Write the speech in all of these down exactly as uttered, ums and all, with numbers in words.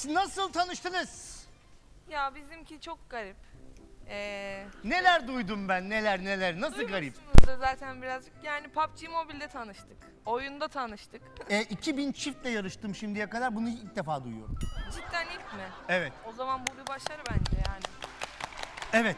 nasıl tanıştınız? Ya bizimki çok garip. Ee, Neler duydum ben, neler neler, nasıl garip? duymuşsunuzdur zaten birazcık. Yani P U B G Mobile'de tanıştık. Oyunda tanıştık. E, iki bin çiftle yarıştım şimdiye kadar, bunu ilk defa duyuyorum. Cidden ilk mi? Evet. O zaman bu bir başarı bence yani. Evet.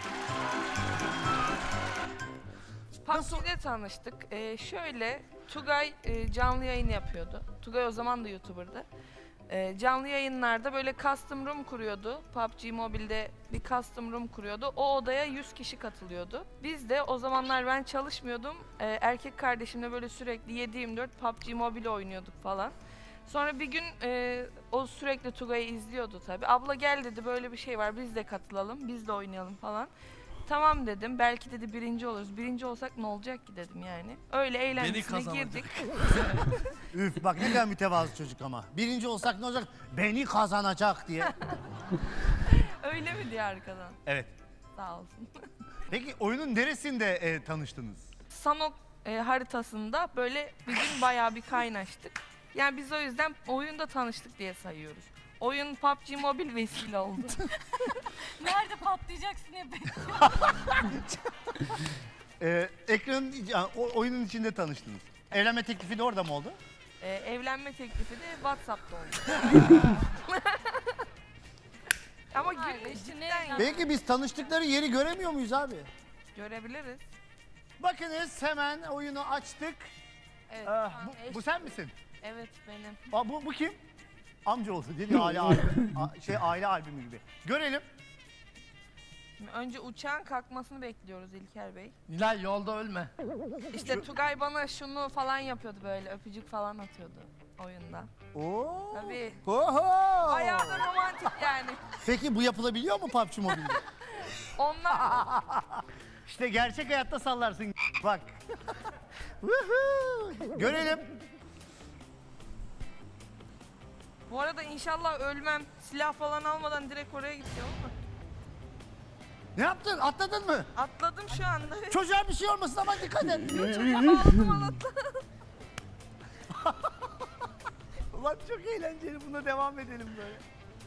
P U B G'de tanıştık. Ee, şöyle, Tugay e, canlı yayın yapıyordu. Tugay o zaman da YouTuber'dı. Ee, canlı yayınlarda böyle custom room kuruyordu. P U B G Mobile'de bir custom room kuruyordu. O odaya yüz kişi katılıyordu. Biz de o zamanlar ben çalışmıyordum. Ee, erkek kardeşimle böyle sürekli yedi yirmi dört P U B G Mobile oynuyorduk falan. Sonra bir gün e, o sürekli Tugay'ı izliyordu tabii. Abla gel dedi, böyle bir şey var, biz de katılalım, biz de oynayalım falan. Tamam dedim, belki dedi birinci oluruz. Birinci olsak ne olacak ki dedim yani. Öyle eğlencesine girdik. Üf, bak ne kadar mütevazı çocuk ama. Birinci olsak ne olacak? Beni kazanacak diye. Öyle mi diye arkadan? Evet. Sağ olsun. Peki oyunun neresinde e, tanıştınız? Sanok e, haritasında böyle bir gün bayağı bir kaynaştık. Yani biz o yüzden oyunda tanıştık diye sayıyoruz. Oyun P U B G Mobile vesile oldu. Nerede patlayacaksın hep? E, ekranın, yani, o, oyunun içinde tanıştınız. Evlenme teklifi de orada mı oldu? E, evlenme teklifi de WhatsApp'ta oldu. Ama Hayır, gün işte cidden ne- ya. Belki biz tanıştıkları yeri göremiyor muyuz abi? Görebiliriz. Bakınız hemen oyunu açtık. Evet, Ah, tamam, bu, eş- bu sen misin? evet benim. Aa, bu, bu kim? Amca olsun dedi aile albümü. A- şey aile albümü gibi. Görelim. Şimdi önce uçağın kalkmasını bekliyoruz İlker Bey. Nilay yolda ölme. İşte Tugay bana şunu falan yapıyordu, böyle öpücük falan atıyordu oyunda. Oo. Tabii. Oho. Bayağı da romantik yani. Peki bu yapılabiliyor mu P U B G Mobile'de? Onlar İşte gerçek hayatta sallarsın. Bak. Woohoo. Görelim. bu arada inşallah ölmem. Silah falan almadan direkt oraya gideceğim ama. Ne yaptın? Atladın mı? Atladım şu anda. Çocuğa bir şey olmasın ama dikkat et. Aldım anahtarı. Ulan çok eğlenceli. Buna devam edelim böyle.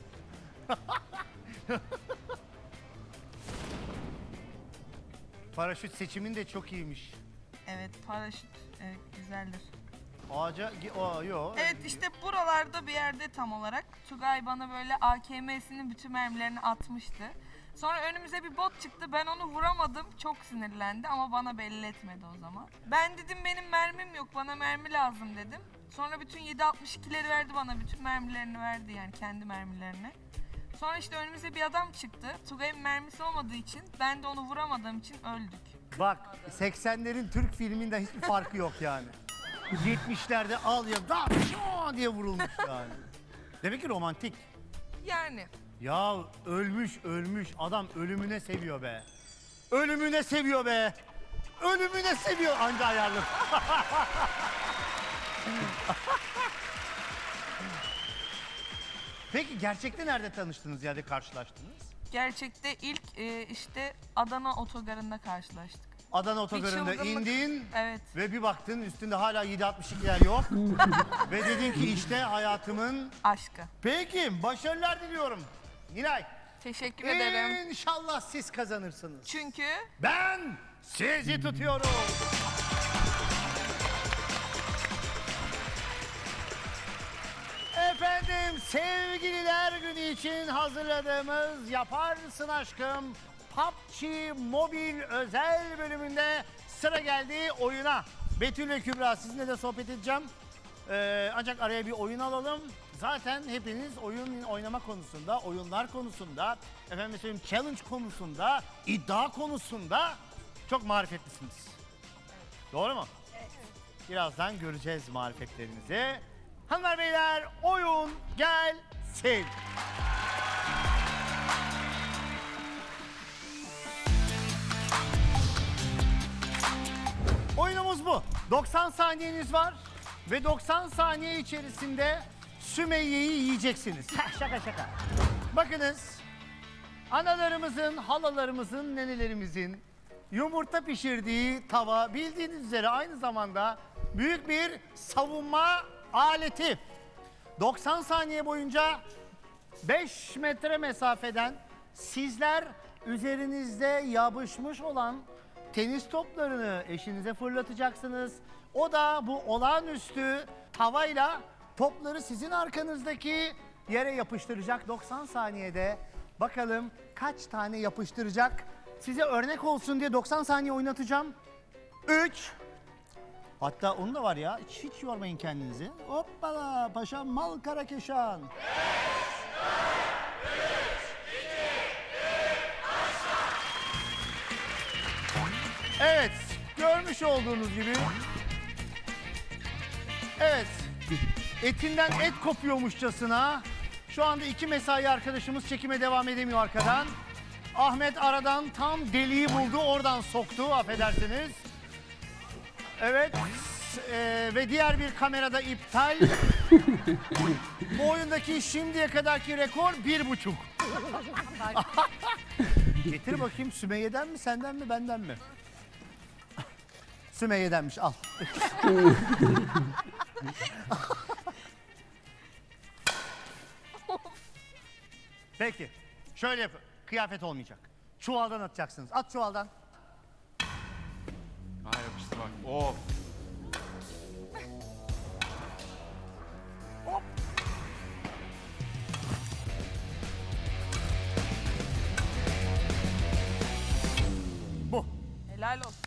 Paraşüt seçimin de çok iyiymiş. Evet, paraşüt evet, güzeldir. Ağaca... gi- Aa, yo. Evet, işte buralarda bir yerde tam olarak Tugay bana böyle A K M'sinin bütün mermilerini atmıştı. Sonra önümüze bir bot çıktı. Ben onu vuramadım. Çok sinirlendi ama bana belli etmedi o zaman. Ben dedim benim mermim yok. Bana mermi lazım dedim. Sonra bütün yedi altmış ikileri verdi bana. Bütün mermilerini verdi yani, kendi mermilerini. Sonra işte önümüze bir adam çıktı. Tugay'ın mermisi olmadığı için, ben de onu vuramadığım için öldük. Bak seksenlerin Türk filminden hiçbir farkı yok yani. yetmişlerde al ya da şoo diye vurulmuş yani. Demek ki romantik. Yani Ya ölmüş ölmüş adam ölümüne seviyor be. Ölümüne seviyor be. Ölümüne seviyor anca ayarlı. Peki gerçekte nerede tanıştınız ya da karşılaştınız? gerçekte ilk e, işte Adana otogarında karşılaştık. Adana otogarında çılgınlık. indin Evet. ve bir baktın üstünde hala yedi altmış ikiler yok. Ve dedin ki işte hayatımın... Aşkı. Peki başarılar diliyorum. Nilay. Teşekkür ederim. İnşallah siz kazanırsınız. Çünkü Ben sizi tutuyorum. Efendim sevgililer günü için hazırladığımız Yaparsın Aşkım P U B G Mobil özel bölümünde sıra geldi oyuna. Betül ve Kübra sizinle de sohbet edeceğim. Ee, ancak araya bir oyun alalım. Zaten hepiniz oyun oynama konusunda, oyunlar konusunda, efendim söyleyeyim challenge konusunda, iddia konusunda çok marifetlisiniz. Doğru mu? Evet. Birazdan göreceğiz marifetlerinizi. Hanımlar beyler oyun gelsin. Oyunumuz bu. doksan saniyeniz var ve doksan saniye içerisinde Sümeyye'yi yiyeceksiniz. Şaka şaka. Bakınız, analarımızın, halalarımızın, nenelerimizin yumurta pişirdiği tava bildiğiniz üzere aynı zamanda büyük bir savunma aleti. doksan saniye boyunca beş metre mesafeden sizler üzerinizde yapışmış olan tenis toplarını eşinize fırlatacaksınız. O da bu olağanüstü havayla topları sizin arkanızdaki yere yapıştıracak doksan saniyede. Bakalım kaç tane yapıştıracak? Size örnek olsun diye doksan saniye oynatacağım. üç. Hatta onu da var ya, hiç, hiç yormayın kendinizi. Hoppala paşam mal karakeşan. Evet, görmüş olduğunuz gibi. Evet, etinden et kopuyormuşçasına. Şu anda iki mesai arkadaşımız çekime devam edemiyor arkadan. Ahmet aradan tam deliği buldu, oradan soktu, affedersiniz. Evet, eee, ve diğer bir kamerada iptal. Bu oyundaki şimdiye kadarki rekor bir buçuk. Getir bakayım, Sümeyye'den mi, senden mi, benden mi? Sümeyye'denmiş, al. Peki, şöyle yapın. Kıyafet olmayacak. Çuvaldan atacaksınız. At çuvaldan. Ha yapıştı bak. Of. Bu. Helal olsun.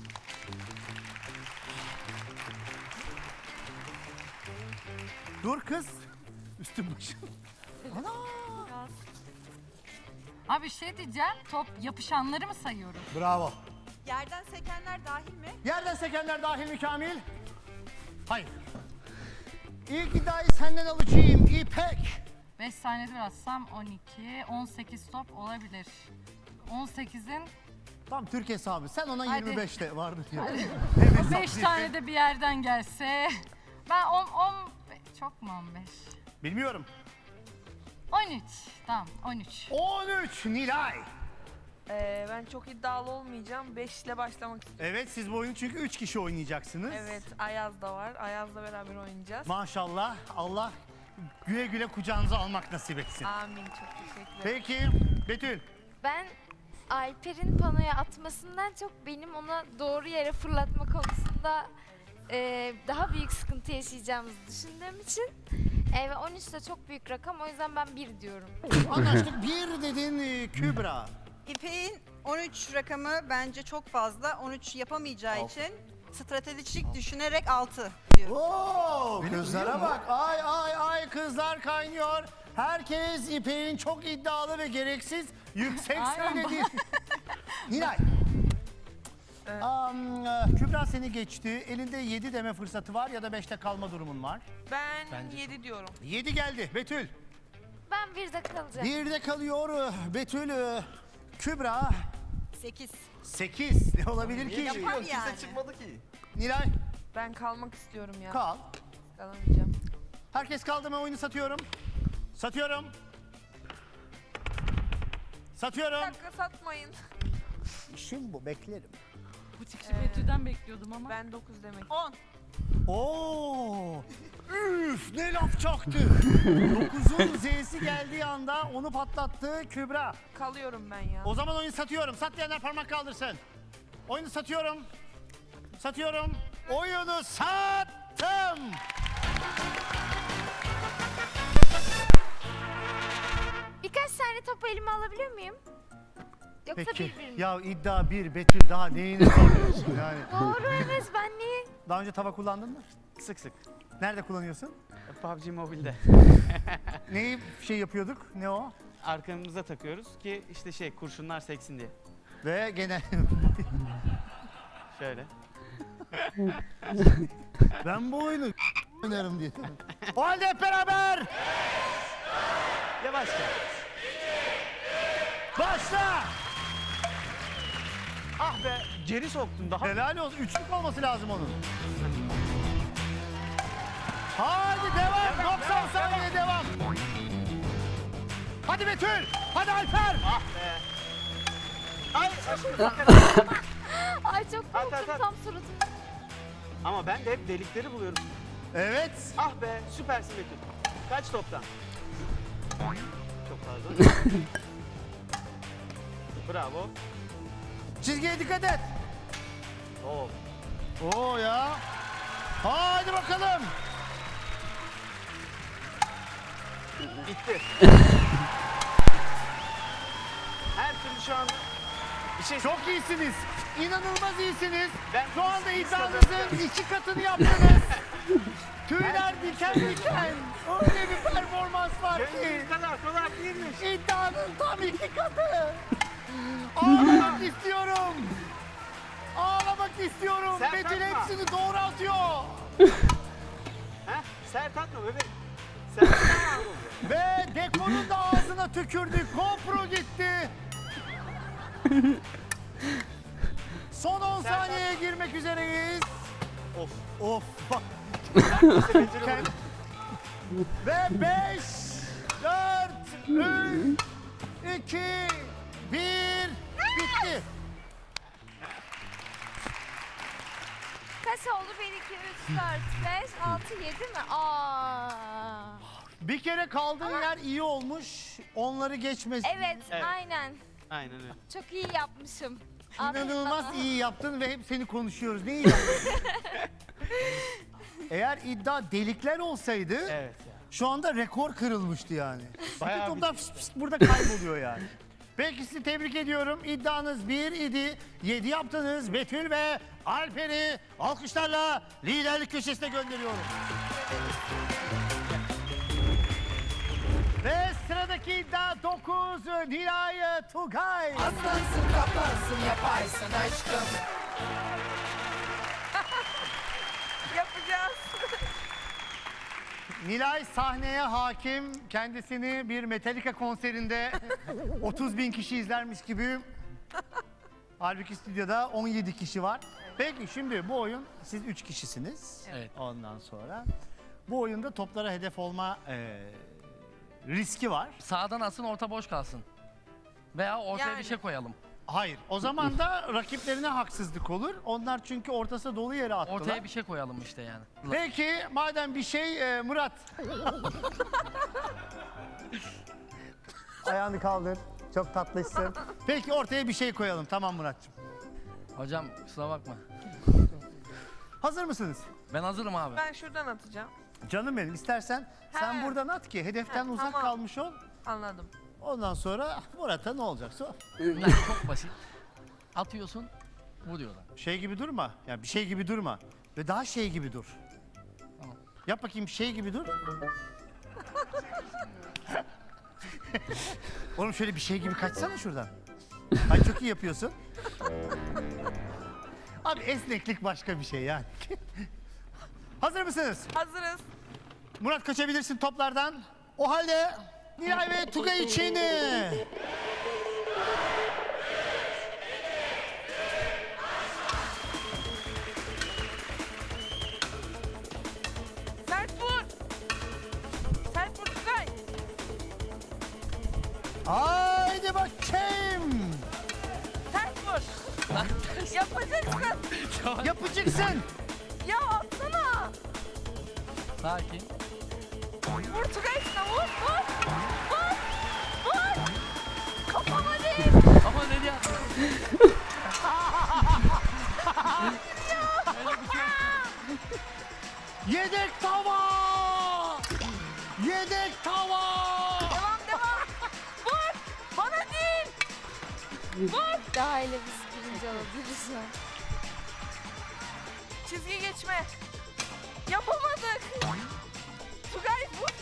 Dur kız. Üstüm başım. Ana. Abi şey diyeceğim, top yapışanları mı sayıyorum? Bravo. Yerden sekenler dahil mi? Yerden sekenler dahil mi Kamil? Hayır. İlk iddiayı senden alacağım İpek. beş saniyede bir atsam on iki, on sekiz top olabilir. on sekizin Tam Türk hesabı. Sen ona Hadi. yirmi beşte vardı diyor. beş tane de bir yerden gelse. Ben on, on, çok mu on beş? Bilmiyorum. on üç, tamam on üç. on üç Nilay. Ee, ben çok iddialı olmayacağım. beş ile başlamak istiyorum. Evet, siz bu oyunu çünkü üç kişi oynayacaksınız. Evet, Ayaz da var. Ayaz'la beraber oynayacağız. Maşallah. Allah güle güle kucağınıza almak nasip etsin. Amin, çok teşekkür ederim. Peki Betül. Ben Alper'in panoya atmasından çok benim ona doğru yere fırlatma konusunda e, daha büyük sıkıntı yaşayacağımızı düşündüğüm için e, ve on üç de çok büyük rakam, o yüzden ben bir diyorum. Anlaştık. Bir dedin e, Kübra. İpek'in on üç rakamı bence çok fazla. on üç yapamayacağı için stratejik düşünerek altı diyor. Oo, kızlara bak. Ay ay ay kızlar kaynıyor. Herkes İpek'in çok iddialı ve gereksiz yüksek Aynen. söylediği. Nilay. Evet. Am, e, Kübra seni geçti. Elinde yedi deme fırsatı var ya da beşte kalma durumun var. Ben yedi diyorum. yedi geldi. Betül. Ben bir de kalacağım. birde kalıyor e, Betül. e, Kübra. sekiz. sekiz. Ne olabilir ki? Yapar yani. çıkmadı ki. Nilay Ben kalmak istiyorum ya. kal. Kalamayacağım. Herkes kaldı mı? Oyunu satıyorum. Satıyorum. Bir Satıyorum. dakika, satmayın. İşim bu, beklerim. Bu çıkışı Betül'den bekliyordum ama. Ben dokuz demek. on. Oo! Üf, ne laf çaktı. dokuzun Z'si geldiği anda onu patlattı Kübra. Kalıyorum ben ya. O zaman oyunu satıyorum. Sat diyenler parmak kaldırsın. Oyunu satıyorum. Satıyorum. Oyunu sattım. Birkaç tane topu elime alabiliyor muyum? Yoksa Peki. bir bir mi? Ya iddia bir, Betül daha neyini soruyorsun yani? Doğru, evet, ben niye? Daha önce tava kullandın mı? Sık sık. Nerede kullanıyorsun? P U B G Mobile'de. Neyi şey yapıyorduk? Ne o? Arkamıza takıyoruz ki işte şey kurşunlar seksin diye. Ve gene Şöyle. ben bu oyunu oynarım diye. O halde hep beraber Yavaşça. başla. Ah be geri soktun daha. Helal olsun. Üçlük olması lazım onun. Hadi devam. doksan saniye devam. Hadi Betül. Hadi Alper. Ay, Ay çok At, korktum at, at. tam suratım. ama ben de hep delikleri buluyorum. Evet. Ah be süpersin Betül. Kaç toptan? Pardon. Bravo. Çizgiye dikkat et. Oo. Oo ya. Hadi bakalım. Gitti. Her türlü şu anda bir şey Çok iyisiniz. İnanılmaz iyisiniz. Ben- Şu anda iddianızın iki katını yaptınız. Tüyler diken diken. Öyle bir performans var ki. Gönlümüz kadar kolay değilmiş. İddianın tam iki katı. Ağlamak istiyorum. Ağlamak istiyorum. Sen Betül kalkma. hepsini doğru atıyor. Heh, sert atma bebeğim. Sert atma. Ve dekorun da ağzına tükürdü. GoPro gitti. Son on Sen saniyeye girmek üzereyiz. Of. Of bak. Neyse Betül'ü Kend- vurdu. Ve beş, dört, üç, iki, bir, bitti. Kaç oldu? bir, iki, üç, dört, beş, altı, yedi mi? Aa. Bir kere kaldığın yer iyi olmuş. Onları geçmez. Evet, Evet. aynen. Aynen öyle. Çok iyi yapmışım. Aferin İnanılmaz bana. iyi yaptın ve hep seni konuşuyoruz. Ne iyi yaptın? Eğer iddia delikler olsaydı Evet ya. şu anda rekor kırılmıştı yani. Bayağı Bütün bir- toplar fıs fıs burada kayboluyor yani. Peki sizi tebrik ediyorum. İddianız bir idi. yedi yaptınız. Betül ve Alper'i alkışlarla liderlik köşesine gönderiyorum. Ve sıradaki iddia dokuz Nilay Tugay. Yapacağız. Nilay sahneye hakim. Kendisini bir Metallica konserinde otuz bin kişi izlermiş gibi. Halbuki stüdyoda on yedi kişi var. Peki şimdi bu oyun siz üç kişisiniz. Evet. Ondan sonra bu oyunda toplara hedef olma e, riski var. Sağdan alsın, orta boş kalsın. Veya ortaya Yani. bir şey koyalım. Hayır. O zaman da rakiplerine haksızlık olur. Onlar çünkü ortası dolu yere attılar. Ortaya bir şey koyalım işte yani. Peki madem bir şey e, Murat. Ayağını kaldır. Çok tatlısın. Peki ortaya bir şey koyalım. Tamam Muratcığım. Hocam kusura bakma. Hazır mısınız? Ben hazırım abi. Ben şuradan atacağım. Canım benim istersen sen He. buradan at ki hedeften He, uzak tamam. kalmış ol. Anladım. Ondan sonra Murat'a ne olacaksa o. Yani çok basit. Atıyorsun, vuruyorlar. Şey gibi durma. Yani bir şey gibi durma. Ve daha şey gibi dur. Tamam. Yap bakayım şey gibi dur. Oğlum şöyle bir şey gibi kaçsana şuradan. Ay çok iyi yapıyorsun. Abi esneklik başka bir şey yani. Hazır mısınız? Hazırız. Murat kaçabilirsin toplardan. O halde Nilay ve Tugay için Sert vur. Sert vur Tugay. haydi bakayım. Sert vur. Yapacaksın. Yapacaksın. Ya atsana. Sakin. Vur Tugay şuna vur. Vur. Vur. Vur. Kafama değil. Ama nereye attın? Yedek tava. Yedek tava. Devam devam. Vur. Bana değil. Vur. Daha ile biz birinci olabiliriz şu an. Çizgi geçme. Yapamadık. Tugay vur.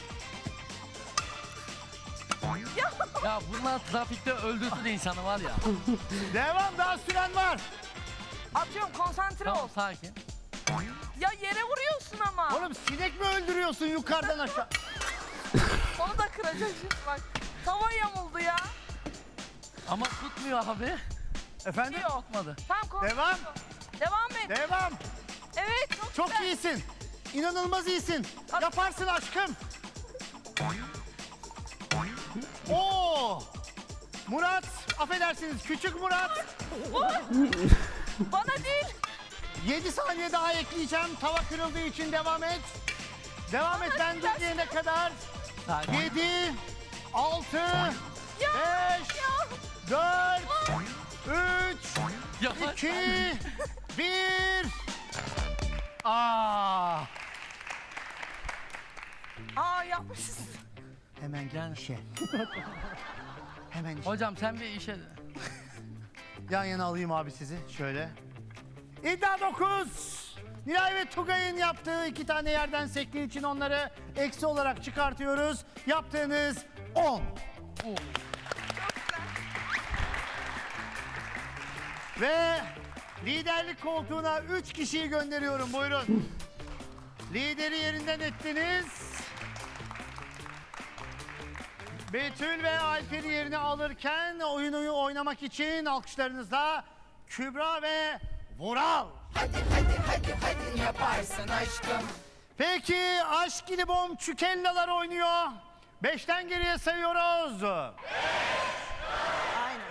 Ya. Ya bunlar trafikte öldürsün insanı var ya. Devam, daha süren var. Atıyorum konsantre ol. Tamam sakin. Ya yere vuruyorsun ama. Oğlum sinek mi öldürüyorsun yukarıdan aşağı? Onu da kıracağız şimdi bak. Tava yamuldu ya. Ama tutmuyor abi. Efendim? Yok. Tutmadı. Tamam konsantre Devam. ol. Devam et. Devam. Evet çok, Çok güzel. iyisin. İnanılmaz iyisin. Yaparsın aşkım. Oo! Murat, affedersiniz küçük Murat. Bana değil. yedi saniye daha ekleyeceğim. Tava kırıldığı için devam et. Devam et ben dur diyene kadar. Sakin. yedi, altı, beş, dört, üç, Yapar. iki, bir. Aa, Aa yapmışız. hemen gel işe. Hemen işe. Hocam sen bir işe... Yan yana alayım abi sizi şöyle. İddia dokuz. Nilay ve Tugay'ın yaptığı iki tane yerden sektiği için onları eksi olarak çıkartıyoruz. Yaptığınız on. Ve liderlik koltuğuna üç kişiyi gönderiyorum. Buyurun. Lideri yerinden ettiniz. Betül ve Alper'i yerine alırken oyunu oynamak için alkışlarınızla Kübra ve Vural. Hadi hadi hadi hadi yaparsın aşkım. Peki Aşk ili Bom Çükellalar oynuyor. Beşten geriye sayıyoruz. Aynen.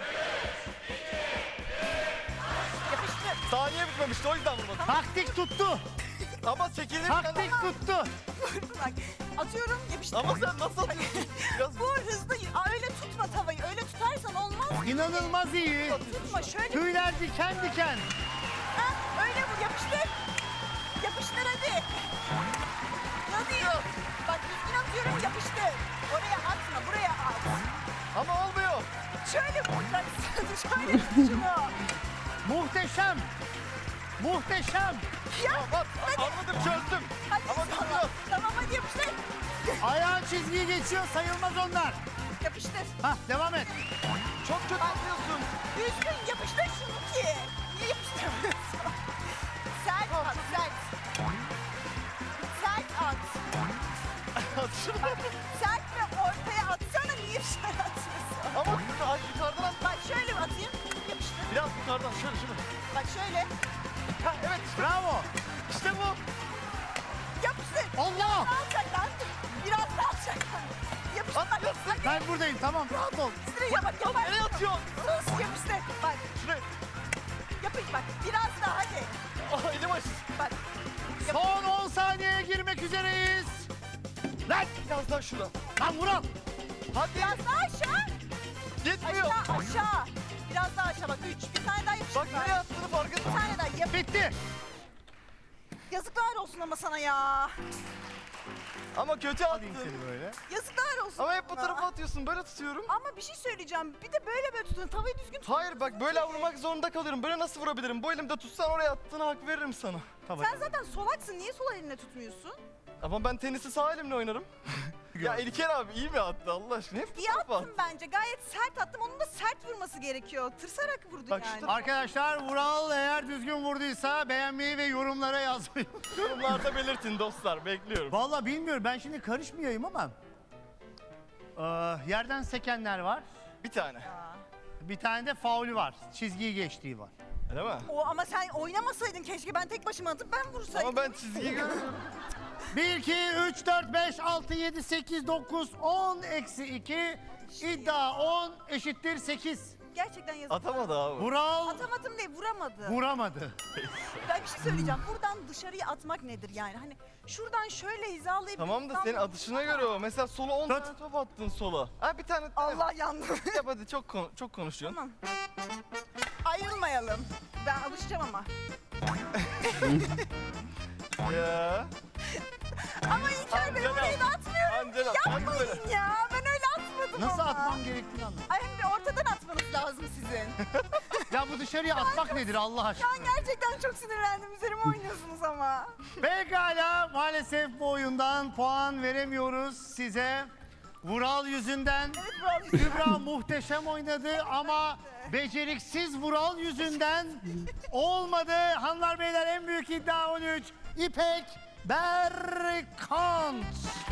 Yapıştır. Saniye bitmemişti o yüzden vurmadım. Taktik tuttu. Ama çekilirken... Taktik tuttu. Bak atıyorum yapıştır. Ama sen nasıl atıyorsun? Biraz Bu hızlı. Aa, öyle tutma tavayı. Öyle tutarsan olmaz. İnanılmaz iyi. Tutma şöyle. Tüyler diken diken. Ha, öyle vur yapıştır. Yapıştır hadi. Hadi. Bak düzgün atıyorum yapıştır. Oraya atma buraya at. ama olmuyor. Şöyle vuracaksın. Şöyle tut şunu. Muhteşem. Muhteşem. Ya Bak anladım çözdüm. hadi Ama sana. bilmiyorum. Tamam hadi yapıştır. Ayağın çizgiyi geçiyor, sayılmaz onlar. Yapıştır. Hah, devam et. Çok kötü atıyorsun. Düzgün yapıştır şunu ki. Niye yapıştıramıyorsun? Sert at sert. Sert at. At şunu. Sert ve ortaya atsana niye dışarı atıyorsun? Ama ay, yukarıdan at. Bak şöyle mi atayım? Yapıştır. Biraz yukarıdan şöyle şunu. Bak şöyle. Ha, evet işte, Bravo. işte bu. Yapıştır. Allah. Alçaktan. Biraz daha alçaktan. Yapıştır. At, Bak, at. hadi. Ben buradayım, tamam, rahat ol. Yapıştır. Ya bak yapar. Nereye atıyorsun? Sus yapıştır. Bak Şuraya. yapış bak. Biraz daha hadi. Ah elim aç. Bak. Son on saniyeye girmek üzereyiz. Lan, Biraz daha şuna. lan Vural. Hadi. Biraz daha aşağı. Gitmiyor. Aşağı aşağı. Biraz daha aşağı bak. Üç. Bir tane daha yapıştır. Bak nereye attığını Bir farkında. tane daha yap. Bitti. Yazıklar olsun ama sana ya. Ama kötü Alayım attın. seni böyle. Yazıklar olsun. Ama hep bu sana. tarafa atıyorsun. Böyle tutuyorum. Ama bir şey söyleyeceğim. Bir de böyle böyle tutun. Tavayı düzgün tut. Hayır bak böyle vurmak zorunda kalıyorum. Böyle nasıl vurabilirim? Bu elimde tutsan oraya attığına hak veririm sana. Tamam. Sen zaten solaksın. Niye sol elinle tutmuyorsun? Ama ben tenisi sağ elimle oynarım. Ya İlker abi iyi mi attı Allah aşkına? Hep bu İyi tarafa attın bence. Gayet sert attım. Onun da sert vurması gerekiyor. Tırsarak vurdun Bak şu yani. tarafa- Arkadaşlar, Vural eğer düzgün vurduysa beğenmeyi ve yorumlara yazmayı. Yorumlarda belirtin dostlar. Bekliyorum. Vallahi bilmiyorum, ben şimdi karışmayayım ama. Ee, yerden sekenler var. Bir tane. Ya. Bir tane de faulü var. Çizgiyi geçtiği var. Öyle mi? O ama sen oynamasaydın keşke. Ben tek başıma atıp ben vursaydım. Ama ben çizgiyi görüyorum. bir, iki, üç, dört, beş, altı, yedi, sekiz, dokuz, on eksi iki. İddia on eşittir sekiz. Gerçekten yazıklar. Atamadı abi. Vural Atamadım değil, vuramadı. vuramadı. Ben bir şey söyleyeceğim. Buradan dışarıya atmak nedir yani? Hani şuradan şöyle hizalayıp... Tamam da senin buradan- atışına göre o. Mesela sola on Tut. tane top attın sola. Ha bir tane Allah yandım. yap hadi çok kon- çok konuşuyorsun. Tamam. Ayrılmayalım. Ben alışacağım ama. Ya. Ama İlker Bey Angela. orayı da atmıyorum. Angela, sen böyle. Yapmayın ya. Ben öyle atmadım Nasıl ama. atmam gerektiğini anlamadım. Ay hem de ortadan atmanız lazım sizin. Ya bu dışarıya atmak nedir Allah aşkına? Ben gerçekten çok sinirlendim. Üzerime oynuyorsunuz ama. Pekala, maalesef bu oyundan puan veremiyoruz size. Vural yüzünden. Evet Vural. Kübra muhteşem oynadı ama beceriksiz Vural yüzünden olmadı. Hanımlar beyler, en büyük iddia on üç. İpek Berkant.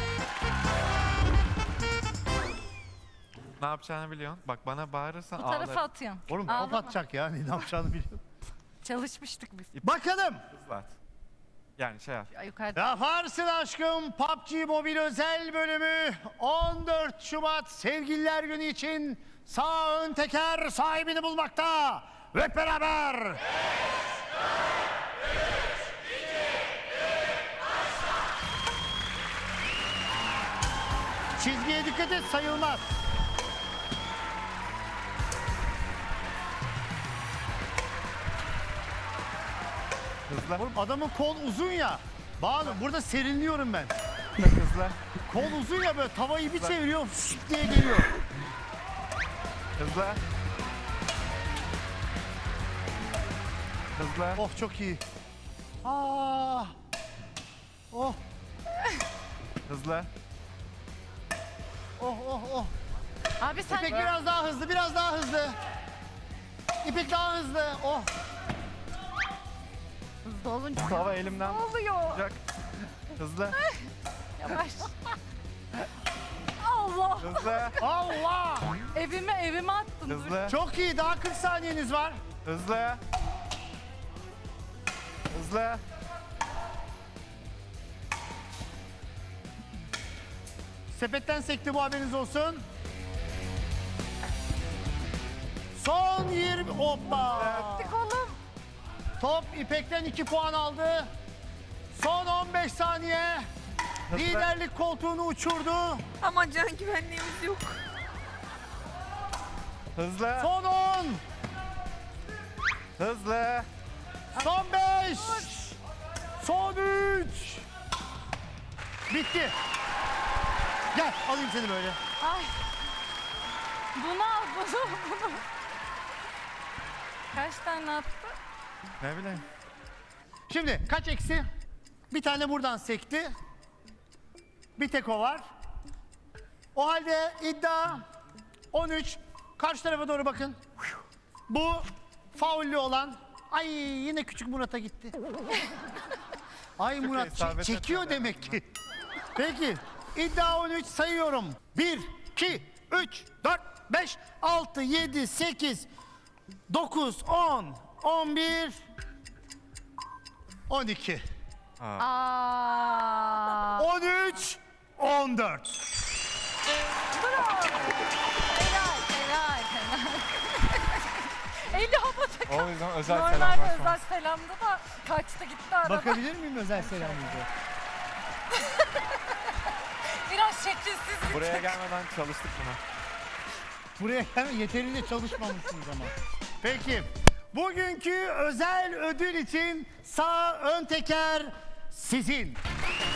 Ne yapacağını biliyorsun. Bak bana bağırırsan Bu tarafa ağlarım. atıyorsun. Oğlum Ağlama. kapatacak ya, ne yapacağını biliyorum. Çalışmıştık biz. Bakalım. Hızlı at. Yani şey yap. Ya yukarıda. Yaparsın aşkım P U B G Mobile özel bölümü on dört Şubat Sevgililer Günü için sağ ön teker sahibini bulmakta. Hep beraber. Çizgiye dikkat et, sayılmaz. Hızlı. Oğlum adamın kol uzun ya. Bağlı, burada serinliyorum ben. Hızlı. Kol uzun ya, böyle tavayı bir çeviriyorum şşt diye geliyor. Hızlı. Hızlı. Oh çok iyi. Aa. Oh Hızlı. oh oh oh. Abi sen İpek biraz daha hızlı, biraz daha hızlı. İpek daha hızlı. Oh. hızlı olunca Tava elimden ne oluyor? tutacak. Hızlı. Yavaş. Allah! Hızlı. Allah. Evime evime attın. Dur. Hızlı. Çok iyi. Daha kırk saniyeniz var. Hızlı. Hızlı. Sepetten sekti bu, haberiniz olsun. Son yirmi. Hoppa. Tık oğlum. Top İpek'ten iki puan aldı. Son on beş saniye. Liderlik koltuğunu uçurdu. Ama can güvenliğimiz yok. Hızlı. Son on. Hızlı. Son beş. Son üç. Bitti. Gel alayım seni böyle. Ay. Bunu al bunu bunu. Kaç tane attı? Ne bileyim. Şimdi kaç eksi? Bir tane buradan sekti. Bir tek o var. O halde iddia on üç. Karşı tarafa doğru bakın. Bu faullü olan. Ay yine küçük Murat'a gitti. Ay Murat çe- isabet çekiyor etmedi. demek ki. Peki iddia on üç, sayıyorum. bir, iki, üç, dört, beş, altı, yedi, sekiz, dokuz, on, on bir, on iki. Aa. on üç, on dört. Helal helal helal. Eli havada. O yüzden özel Normalde özel selamda da kaçtı gitti arada. Bakabilir miyim özel selamınıza? Biraz şekilsiz. Buraya gelmeden çalıştık buna. Buraya gelme, yeterince çalışmamışsınız ama. Peki, bugünkü özel ödül için sağ ön teker sizin.